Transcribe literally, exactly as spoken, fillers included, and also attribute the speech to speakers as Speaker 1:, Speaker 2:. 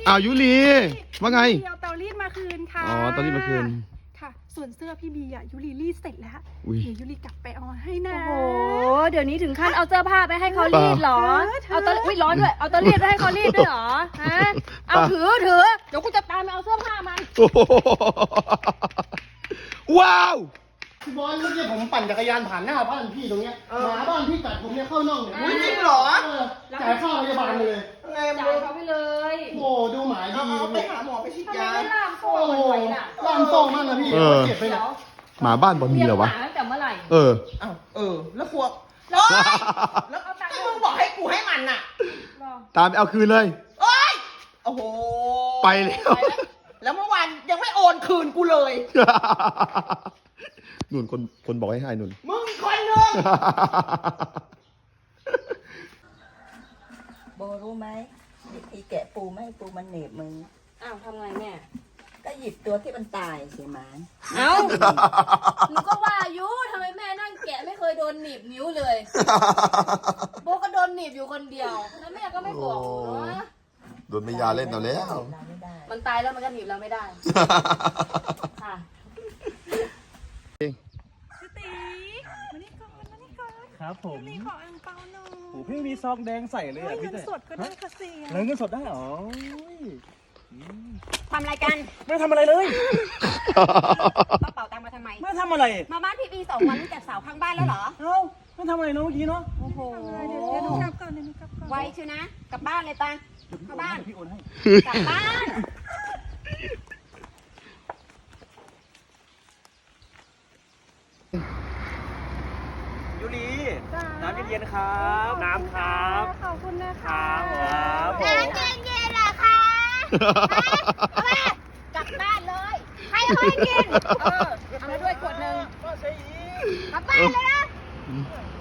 Speaker 1: อ้าวยุรีว่าไง
Speaker 2: เอาเตารีดมาคืนค่ะ
Speaker 1: อ๋อเตารีดมาคืน
Speaker 2: ค่ะส่วนเสื้อพี่บีอ่ะยุรีรีดเสร็จแล้วเดี๋ยวยุรีกลับไปเอาให้นะ
Speaker 3: โอ้โหเดี๋ยวนี้ถึงขั้นเอาเสื้อผ้าไปให้เขารีดเหรอเอาเตาอุ้ยร้อนด้วยเอาเตารีดไปให้เขารีดด้วยเหรอฮะเอาถือถือเดี๋ยวกูจะตามไปเอาเสื้อผ้ามัน
Speaker 1: ว้าว
Speaker 4: พี่บอลเมื่อกี้ผมปั่นจักรยานผ่านหน้าบ้านพี่ตรงเนี้ยหมาบ้านพี่กัดผมเนี่ยเข้าน่องเนี่ย
Speaker 5: จริงเหรอ
Speaker 4: จ่ายค่าพยาบาลเลย
Speaker 5: ไง
Speaker 3: จ่ายเขาไปเลย
Speaker 4: โอ้ดูหมาดี
Speaker 5: เอาไปหาหมอไปฉีดยา
Speaker 3: ไม่ล่ามโซ่
Speaker 4: โอ้
Speaker 3: มันไว้น่ะ
Speaker 4: ล่ามโซ่มากนะพี่เจ็บไปเนี่ย
Speaker 1: หมาบ้านบอลมีเหรอวะ
Speaker 3: ตั้งแต่เมื่อไหร่
Speaker 1: เออ
Speaker 5: อ้าวเออ แล้วพวกแล้วแล้วก็มึงบอกให้กูให้มันน่ะ
Speaker 1: ตามไปเอาคืนเลย
Speaker 5: โอ้ยโอ้โห
Speaker 1: ไปแล้ว
Speaker 5: แล้วเมื่อวานยังไม่โอนคืนกูเลย
Speaker 1: หนุนคนคนบอกให้ให้หนุน
Speaker 5: มึงคนหนึ่งโบรู้ไหมวิธีแกะปูไม่ให้ปูมันเหน็บมือ
Speaker 3: อ้าวทำไงแม่
Speaker 5: ก็หยิบตัวที่มันตายสิหมา
Speaker 3: เอ้าหนูก็ว่าอายุทำไมแม่นั่งแกะไม่เคยโดนหนีบนิ้วเลยโบก็โดนหนีบอยู่คนเดียวแล้วแม่ก็ไม่บอกหนูเนาะ
Speaker 1: โดนไม่ยาเล่นเอาแล้ว
Speaker 3: มันตายแล้วมันก็หนีบเราไม่ได้ค่ะ
Speaker 2: สตีมานี่ก่อนมานี่ก่อน
Speaker 6: ครับผม
Speaker 2: นี่ขออังเปาหน่อย
Speaker 6: โอ้พี่มีซองแดงใส่เลย
Speaker 2: เฮ้
Speaker 6: อ่ะ
Speaker 2: ย
Speaker 6: พี่
Speaker 2: เงิน
Speaker 6: แต่
Speaker 2: สดก็ได้ค่ะเสีย
Speaker 6: แล้วเงินสดได้เหรอ
Speaker 3: ทำอะไรกัน
Speaker 6: ไม่ทำอะไรเลย
Speaker 7: กระเป๋าตังค์มาทำไม
Speaker 6: ไม่ทำอะไร
Speaker 7: มาบ้านพี่บีสองวันตั้งแต่สาวข้างบ้านแล้วเหรอ
Speaker 6: เอ้าไม่ทำอะไรเนาะเมื่อกี้เนาะ
Speaker 7: โอ้โห
Speaker 2: เดี๋ยวเดี๋ยวหนูกลับก่อนเดี๋ยวหนูกลับก่อน
Speaker 7: ไวชิวนะ กลับบ้านเลยตังเข้าบ้าน
Speaker 6: พี่โอนให้
Speaker 7: กลับบ้าน
Speaker 6: ยูรีน้ำเย็นๆครับ น้ำครับ
Speaker 2: ขอบคุณนะ
Speaker 6: ค
Speaker 2: คะ
Speaker 6: รับผม
Speaker 7: น้ำเย็นๆเหรอคะกลับบ้านเลยใครเอาให้กิน เออเอามาด้วยขวดหนึ่งกลับบ้านเลยนะ